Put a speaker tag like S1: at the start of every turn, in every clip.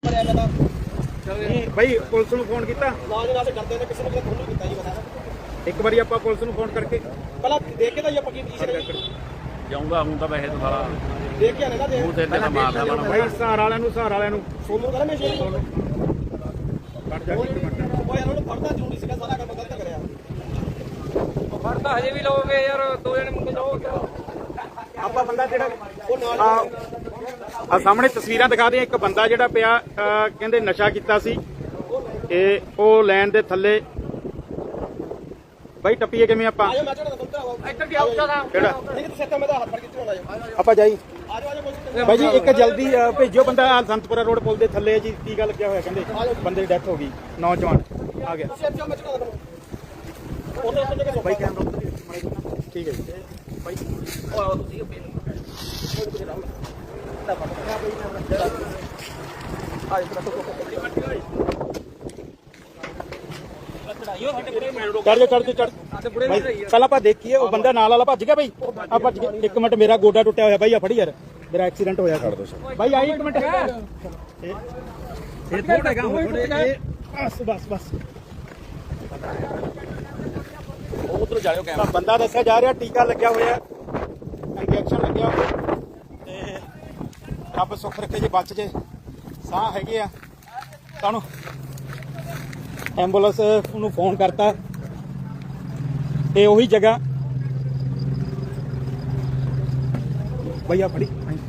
S1: भाई पुलिस ਨੂੰ ਫੋਨ ਕੀਤਾ ਇੱਕ ਵਾਰੀ ਆਪਾਂ ਪੁਲਿਸ ਨੂੰ ਫੋਨ ਕਰਕੇ
S2: ਪਹਿਲਾਂ ਦੇਖ ਕੇ ਤਾਂ ਇਹ ਪੱਕੀ ਪੋਜੀਸ਼ਨ
S3: ਜਾਊਂਗਾ ਹੁਣ ਤਾਂ ਵੈਸੇ ਤਾਂ ਸਾਰਾ
S2: ਦੇਖ ਕੇ ਆਨੇ ਨਾ
S3: ਉਹ ਤੇ ਤਾਂ ਮਾਰਦਾ ਬਣਾ
S1: ਭਾਈ ਸਹਾਰ ਵਾਲਿਆਂ ਨੂੰ
S2: ਸੋਨੂੰ ਕਹਿੰਦਾ ਮੈਂ ਸ਼ੇਰ
S1: ਕੱਟ ਜਾ ਇੱਕ ਮਿੰਟ
S2: ਓਏ ਇਹਨਾਂ ਨੂੰ ਫੜਦਾ ਜ਼ਰੂਰੀ ਸੀਗਾ ਸਾਰਾ ਕੰਮ ਗਲਤ ਕਰਿਆ
S4: ਫੜਦਾ ਹਜੇ ਵੀ ਲਓਗੇ ਯਾਰ ਦੋ ਜਣੇ ਮੁੰਡੇ ਜਾਓਗੇ
S1: ਆਪਾਂ ਬੰਦਾ ਜਿਹੜਾ
S2: ਉਹ ਨਾਲ
S1: ਆ ਸਾਹਮਣੇ ਤਸਵੀਰਾਂ ਦਿਖਾ ਦੇ ਇੱਕ ਬੰਦਾ ਜਿਹੜਾ ਪਿਆ ਕਹਿੰਦੇ ਨਸ਼ਾ ਕੀਤਾ ਸੀ ਤੇ ਉਹ ਲੈਣ ਦੇ ਥੱਲੇ ਬਾਈ ਟੱਪੀਏ ਕਿਵੇਂ ਆਪਾਂ
S2: ਆਜੋ ਮੈਂ ਚੜਾ ਦੰਤਰਾ
S4: ਇੱਧਰ ਕੀ ਆਉਂਦਾ ਦਾ
S1: ਕਿਹੜਾ
S2: ਨਹੀਂ ਤੇ ਸੱਤਾ ਮੈਂ ਤਾਂ ਹੱਥ ਫੜ ਕੇ ਚੜਾਉਣਾ ਆਜੋ
S1: ਆਪਾਂ ਜਾਈ
S2: ਆਜੋ ਆਜੋ
S1: ਬਾਈ ਜੀ ਇੱਕ ਜਲਦੀ ਭੇਜਿਓ ਬੰਦਾ ਸੰਤਪੁਰਾ ਰੋਡ ਪੁਲ ਦੇ ਥੱਲੇ ਜੀ ਕੀ ਗੱਲ ਲੱਗਿਆ ਹੋਇਆ ਕਹਿੰਦੇ ਬੰਦੇ ਦੀ ਡੈਥ ਹੋ ਗਈ ਨੌਜਵਾਨ ਆ ਗਿਆ
S2: ਤੁਸੀਂ ਅੱਛਾ ਮੈਂ ਚੜਾ ਦੰਦਾ ਉਹਨੇ ਉੱਤੇ ਜਗ੍ਹਾ
S1: ਬਾਈ ਕੈਮਰਾ ਠੀਕ ਹੈ ਜੀ ਬਾਈ
S2: ਉਹ ਆਓ ਤੁਸੀਂ
S1: ਚੜ ਬਾਈ ਪਹਿਲਾਂ ਆਪਾਂ ਦੇਖੀਏ ਉਹ ਬੰਦਾ ਨਾਲ ਵਾਲਾ ਭੱਜ ਗਿਆ ਬਾਈ ਆ ਭੱਜ ਗਿਆ ਇੱਕ ਮਿੰਟ ਮੇਰਾ ਗੋਡਾ ਟੁੱਟਿਆ ਹੋਇਆ ਬਾਈ ਆ ਫੜੀ ਯਾਰ ਮੇਰਾ ਐਕਸੀਡੈਂਟ ਹੋਇਆ ਛੱਡ ਦੋ ਬਾਈ ਆਈ ਇੱਕ ਮਿੰਟ ਇਹ ਥੋੜਾ ਕੰਮ ਬਸ
S3: ਉਧਰ ਜਾਇਓ
S1: ਤਾਂ ਬੰਦਾ ਦੱਸਿਆ ਜਾ ਰਿਹਾ ਟੀਕਾ ਲੱਗਿਆ ਹੋਇਆ ਇੰਜੈਕਸ਼ਨ ਲੱਗਿਆ ਹੋਇਆ ਤੇ ਰੱਬ ਸੁੱਖ ਰੱਖੇ ਜੇ ਬਚ ਜੇ ਸਾਹ ਹੈਗੇ ਆ ਤੁਹਾਨੂੰ ਐਂਬੂਲੈਂਸ ਨੂੰ ਫੋਨ ਕਰਤਾ ਤੇ ਉਹੀ ਜਗ੍ਹਾ ਭਈਆ ਫੜੀ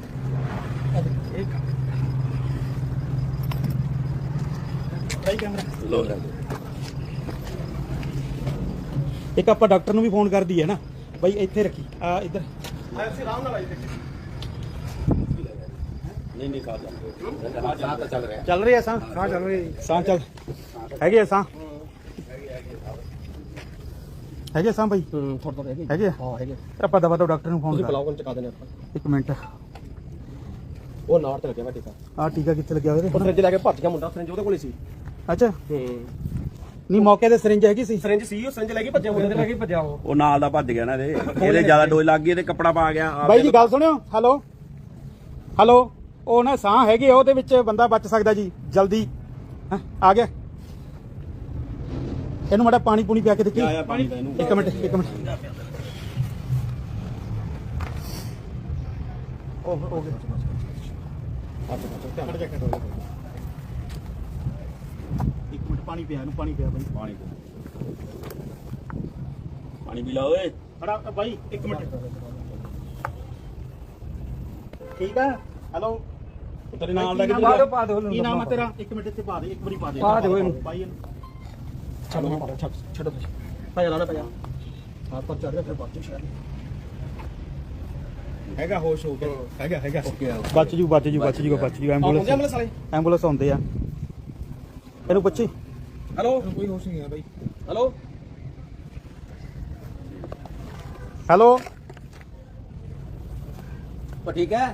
S1: ਇੱਕ ਆਪਾਂ ਡਾਕਟਰ ਨੂੰ ਵੀ ਫੋਨ ਕਰ ਦਈਏ ਨਾ ਬਾਈ ਇੱਥੇ ਰੱਖੀ ਆ ਇੱਧਰ
S2: ਅਸੀਂ ਆਰਾਮ ਨਾਲ ਆਈ
S3: ਨਹੀਂ ਸਾਹ ਤਾਂ ਚੱਲ ਰਿਹਾ
S1: ਚੱਲ ਰਿਹਾ ਸਾਹ ਚੱਲ ਰਹੀ ਸਾਹ ਚੱਲ ਹੈਗੇ ਆ ਸਾਹ ਹੈਗੇ ਸਾਹ ਬਾਈ
S2: ਥੋੜਾ ਹੈਗੇ
S1: ਹੈਗੇ
S2: ਹਾਂ ਹੈਗੇ
S1: ਆਪਾਂ ਦਵਾ ਤੋਂ ਡਾਕਟਰ ਨੂੰ ਫੋਨ
S2: ਤੁਸੀਂ
S1: ਕਰ
S2: ਬੁਲਾਓ ਕੋਲ ਚਕਾ ਦੇਣੇ ਆਪਾਂ
S1: ਇੱਕ ਮਿੰਟ
S2: ਉਹ ਨਾਰ ਤੇ ਲੱਗਿਆ ਵਾ ਟੀਕਾ
S1: ਆ ਟੀਕਾ ਕਿੱਥੇ ਲੱਗਿਆ ਹੋਇਆ
S2: ਉਹ ਫਰਿੱਜ ਲੈ ਕੇ ਭੱਜ ਗਿਆ ਮੁੰਡਾ ਫਰਿੱਜ ਉਹਦੇ ਕੋਲੇ ਸੀ
S1: ਅੱਛਾ ਨਹੀਂ ਮੌਕੇ ਤੇ ਸਿਰਿੰਜ ਹੈਗੀ ਸੀ
S2: ਫਰਿੱਜ ਸੀ ਉਹ ਫਰਿੱਜ ਲੈ ਕੇ ਭੱਜਿਆ ਮੁੰਡੇ ਲੈ ਕੇ ਭੱਜਿਆ
S3: ਉਹ ਨਾਲ ਦਾ ਭੱਜ ਗਿਆ ਨਾ ਇਹਦੇ ਜ਼ਿਆਦਾ ਡੋਜ਼ ਲੱਗ ਗਈ ਤੇ ਕੱਪੜਾ ਪਾ ਗਿਆ
S1: ਬਾਈ ਜੀ ਗੱਲ ਸੁਣਿਓ ਹੈਲੋ ਉਹ ਨਾ ਸਾਹ ਹੈਗੇ ਉਹਦੇ ਵਿੱਚ ਬੰਦਾ ਬਚ ਸਕਦਾ ਜੀ ਜਲਦੀ ਆ ਗਿਆ ਇਹਨੂੰ ਮਾੜਾ ਪਾਣੀ ਪੂਣੀ ਪਿਆ ਕੇ ਦੇਖੀ ਇੱਕ ਮਿੰਟ ਹੋ ਗਿਆ ਇੱਕ ਮਿੰਟ ਪਾਣੀ ਪਿਆ ਇਹਨੂੰ ਪਾਣੀ ਪਿਆ ਬਾਈ
S3: ਪਾਣੀ ਪੀ ਲਾ ਓਏ
S1: ਖੜਾ ਬਾਈ ਇੱਕ ਮਿੰਟ ਠੀਕ ਆ ਹੈਲੋ ਤੇਰੇ ਨਾਲ ਦਾ
S4: ਪਾ ਦਿਓ
S1: ਕੀ ਨਾਮ ਆ ਤੇਰਾ ਇੱਕ ਮਿੰਟ ਇੱਥੇ ਪਾ ਦੇ ਇੱਕ ਵਾਰੀ
S4: ਪਾ ਦਿਓ ਇਹਨੂੰ
S1: ਬਾਈ ਇਹਨੂੰ
S2: ਛੱਡੋ ਪਾਇਆ ਲਾਣਾ ਪਾਇਆ ਹੱਥ ਪਰ ਚੜ ਗਿਆ ਫਿਰ ਬਾਅਦ ਚ ਸ਼ਾਇਦ
S1: ਹੈਗਾ ਹੋਸ਼ ਹੋ ਗਿਆ ਹੈਗਾ ਬਚ ਜੂ ਐਂਬੂਲੈਂਸ ਐਂਬੂਲੈਂਸ ਆਉਂਦੇ ਆ ਇਹਨੂੰ ਪੁੱਛੀ
S2: ਹੈਲੋ ਕੋਈ ਹੋਸ਼ ਨਹੀਂ ਆ ਬਾਈ
S1: ਹੈਲੋ
S2: ਠੀਕ ਹੈ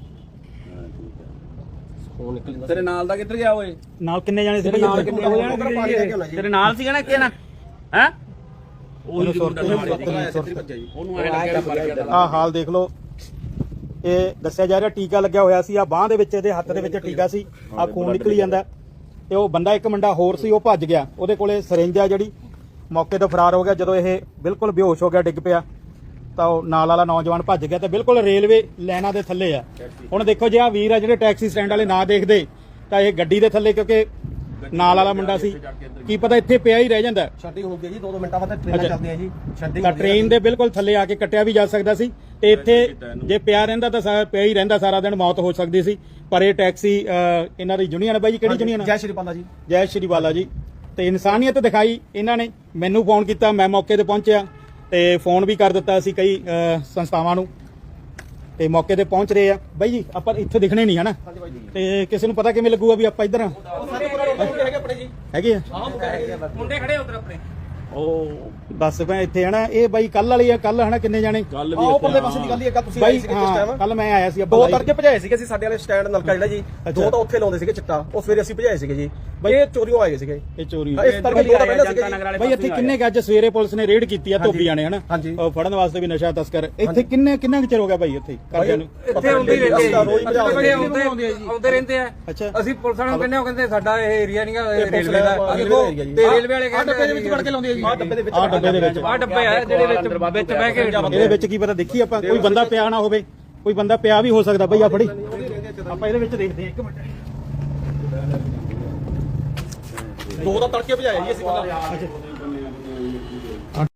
S2: ਫੋਨ ਨਿਕਲ
S3: ਤੇਰੇ ਨਾਲ ਦਾ ਕਿੱਧਰ ਗਿਆ ਓਏ
S1: ਨਾਲ ਕਿੰਨੇ ਜਾਣੇ ਸੀ
S2: ਨਾਲ ਕਿੰਨੇ ਹੋ ਜਾਣਗੇ
S3: ਤੇਰੇ ਨਾਲ ਸੀਗਾ ਨਾ ਇੱਥੇ ਨਾ ਹੈ
S1: ਉਹਨੂੰ
S3: ਉਹਨੂੰ ਐ ਲੱਗਿਆ ਮਰ ਗਿਆ
S1: ਆ ਹਾਲ ਦੇਖ ਲਓ ਇਹ ਦੱਸਿਆ ਜਾ ਰਿਹਾ ਟੀਕਾ ਲੱਗਿਆ ਹੋਇਆ ਸੀ ਆ ਬਾਹ ਦੇ ਵਿੱਚ ਇਹਦੇ ਹੱਥ ਦੇ ਵਿੱਚ ਟੀਕਾ ਸੀ ਆ ਖੂਨ ਨਿਕਲੀ ਜਾਂਦਾ ਤੇ ਉਹ ਬੰਦਾ ਇੱਕ ਮੁੰਡਾ ਹੋਰ ਸੀ ਉਹ ਭੱਜ ਗਿਆ ਉਹਦੇ ਕੋਲੇ ਸਿਰਿੰਜ ਆ ਜਿਹੜੀ ਮੌਕੇ ਤੋਂ ਫਰਾਰ ਹੋ ਗਿਆ ਜਦੋਂ ਇਹ ਬਿਲਕੁਲ ਬੇਹੋਸ਼ ਹੋ ਗਿਆ ਡਿੱਗ ਪਿਆ ਤਾਂ ਉਹ ਨਾਲ ਵਾਲਾ ਨੌਜਵਾਨ ਭੱਜ ਗਿਆ ਤੇ ਬਿਲਕੁਲ ਰੇਲਵੇ ਲਾਈਨਾਂ ਦੇ ਥੱਲੇ ਆ ਹੁਣ ਦੇਖੋ ਜੇ ਆ ਵੀਰ ਆ ਜਿਹੜੇ ਟੈਕਸੀ ਸਟੈਂਡ ਵਾਲੇ ਨਾ ਦੇਖਦੇ ਤਾਂ ਇਹ ਗੱਡੀ ਦੇ ਥੱਲੇ ਕਿਉਂਕਿ ਨਾਲ ਵਾਲਾ ਮੁੰਡਾ ਸੀ ਕੀ ਪਤਾ ਇੱਥੇ ਪਿਆ ਹੀ ਰਹਿ ਜਾਂਦਾ
S2: ਛੱਡੀ ਹੁੰਦੀ ਹੈ ਜੀ 2 ਮਿੰਟਾਂ ਬਾਅਦ ਟ੍ਰੇਨਾਂ ਚੱਲਦੀਆਂ ਜੀ ਛੱਡੀ
S1: ਤਾਂ ਟ੍ਰੇਨ ਦੇ ਬਿਲਕੁਲ ਥੱਲੇ ਆ ਕੇ ਕੱਟਿਆ ਵੀ ਜਾ ਸਕਦਾ ਸੀ ਤੇ ਇੱਥੇ ਜੇ ਪਿਆ ਰਹਿੰਦਾ ਤਾਂ ਪਿਆ ਹੀ ਰਹਿੰਦਾ ਸਾਰਾ ਦਿਨ ਮੌਤ ਹੋ ਸਕਦੀ ਸੀ ਪਰ ਇਹ ਟੈਕਸੀ ਇਹਨਾਂ ਦੀ ਯੂਨੀਅਨ ਬਾਈ ਜੀ ਕਿਹੜੀ ਯੂਨੀਅਨ
S2: ਜੈ ਸ਼੍ਰੀ ਬਾਲਾ ਜੀ
S1: ਜੈ ਸ਼੍ਰੀ ਬਾਲਾ ਜੀ ਤੇ ਇਨਸਾਨੀਅਤ ਦਿਖਾਈ ਇਹਨਾਂ ਨੇ ਮੈਨੂੰ ਫੋਨ ਕੀਤਾ ਮੈਂ ਮੌਕੇ ਤੇ ਪਹੁੰਚਿਆ ਤੇ ਫੋਨ ਵੀ ਕਰ ਦਿੱਤਾ ਸੀ ਕਈ ਸੰਸਥਾਵਾਂ ਨੂੰ ਤੇ ਮੌਕੇ ਤੇ ਪਹੁੰਚ ਰਹੇ ਆ ਬਾਈ ਜੀ ਆਪਾਂ ਇੱਥੇ ਦਿਖਣੇ ਨਹੀਂ ਹਨਾ ਤੇ ਕਿਸੇ ਨੂੰ ਪਤਾ ਕਿਵੇਂ ਲੱਗੂਗਾ ਵੀ ਆਪਾਂ ਇੱਧਰ ਆ
S2: ਹੈਗੇ ਆਪਣੇ ਜੀ
S1: ਹੈਗੇ ਆ
S4: ਮੁੰਡੇ ਖੜੇ ਉਧਰ ਆਪਣੇ
S3: ਉਹ
S1: ਦੱਸ ਪਏ ਇੱਥੇ ਹਨਾ ਇਹ ਬਾਈ ਕੱਲ ਵਾਲੀ ਆ ਕੱਲ ਹਨਾ ਕਿੰਨੇ ਜਾਣੇ
S3: ਕੱਲ ਵੀ
S2: ਆਹ
S3: ਇੱਥੇ
S2: ਪਰਲੇ ਪਾਸੇ ਦੀ ਗੱਲ ਹੀ ਇੱਕ ਤੁਸੀਂ ਆਏ
S1: ਬਾਈ
S2: ਸੀਗੇ ਜਿਸ
S1: ਹਾਂ
S2: ਟਾਈਮ
S1: ਕੱਲ ਮੈਂ ਆਇਆ ਸੀ
S2: ਦੋ ਤੜਕੇ ਭਜਾਏ ਸੀਗੇ ਅਸੀਂ ਸਾਡੇ ਵਾਲੇ ਸਟੈਂਡ ਨਲਕਾ ਜਿਹੜਾ ਜੀ ਦੋ ਤਾਂ ਉੱਥੇ ਲਾਉਂਦੇ ਸੀਗੇ ਚਿੱਟਾ ਉਹ ਸਵੇਰੇ ਅਸੀਂ ਭਜਾਏ ਸੀਗੇ ਜੀ ਬਈ ਇਹ ਚੋਰੀਆਂ ਆਏ ਸੀਗੇ
S1: ਇਹ ਚੋਰੀ
S2: ਇਸ ਤੜਕੇ ਦੋ ਤਾਂ ਪਹਿਲਾਂ ਸੀਗੇ
S1: ਬਾਈ ਇੱਥੇ ਕਿੰਨੇ ਕੁ ਅੱਜ ਸਵੇਰੇ ਪੁਲਿਸ ਨੇ ਰੇਡ ਕੀਤੀ ਆ ਧੋਬੀਆਂ ਨੇ ਹਨਾ
S2: ਹਾਂਜੀ।
S1: ਉਹ ਫੜਨ ਵਾਸਤੇ ਵੀ ਨਸ਼ਾ ਤਸਕਰ ਇੱਥੇ ਕਿੰਨਾ ਕੁ ਚਿਰ ਹੋ ਗਿਆ ਬਾਈ ਇੱਥੇ ਕਰਦਿਆਂ ਨੂੰ
S4: ਇੱਥੇ ਆਉਂਦੇ ਹੀ ਰਹਿੰਦੇ ਆ
S2: ਰੋਜ਼ ਭਜਾ
S4: ਜੀ। ਆਉਂਦੇ ਰਹਿੰਦੇ ਆ
S1: ਅੱਛਾ
S4: ਅਸੀਂ ਪੁਲਿਸ ਵਾਲਿਆਂ ਨੂੰ ਕਹਿੰਦੇ ਉਹ ਕਹਿੰਦੇ ਸਾਡਾ ਇਹ ਏਰੀਆ ਨਹੀਂਗਾ ਰੇਲਵੇ ਦਾ
S2: ਰੇਲਵੇ
S4: ਦੇਖੋ
S2: ਏਰੀਆ ਜੀ।
S4: ਤੇ ਰੇਲਵੇ ਵਾਲੇ ਕਹਿੰਦੇ
S2: ਡੱਬੇ ਦੇ ਵਿੱਚ ਵੜ ਕੇ ਲਾਉਂਦੇ ਆ ਜੀ ਆਹ ਡੱਬੇ ਦੇ ਵਿੱਚ
S1: ਆਹ ਡੱਬੇ ਦੇ ਵਿੱਚ
S4: ਆਹ ਡੱਬੇ ਆ ਜਿਹੜੇ ਵਿੱਚ ਬਹਿ ਕੇ
S1: ਇਹਦੇ ਵਿੱਚ ਕੀ ਪਤਾ ਦੇਖੀ ਆਪਾਂ ਕੋਈ ਬੰਦਾ ਪਿਆ ਨਾ ਹੋਵੇ ਕੋਈ ਬੰਦਾ ਪਿਆ ਵੀ ਹੋ ਸਕਦਾ ਬਈ ਆ ਫੜੀ ਆਪਾਂ ਇਹਦੇ ਵਿੱਚ ਦੇਖਦੇ ਹਾਂ ਇੱਕ ਮਿੰਟ
S2: ਦੋ ਤਾਂ ਤੜਕੇ ਭਜਾਏ ਜੀ ਅਸੀਂ
S1: ਅੱਛਾ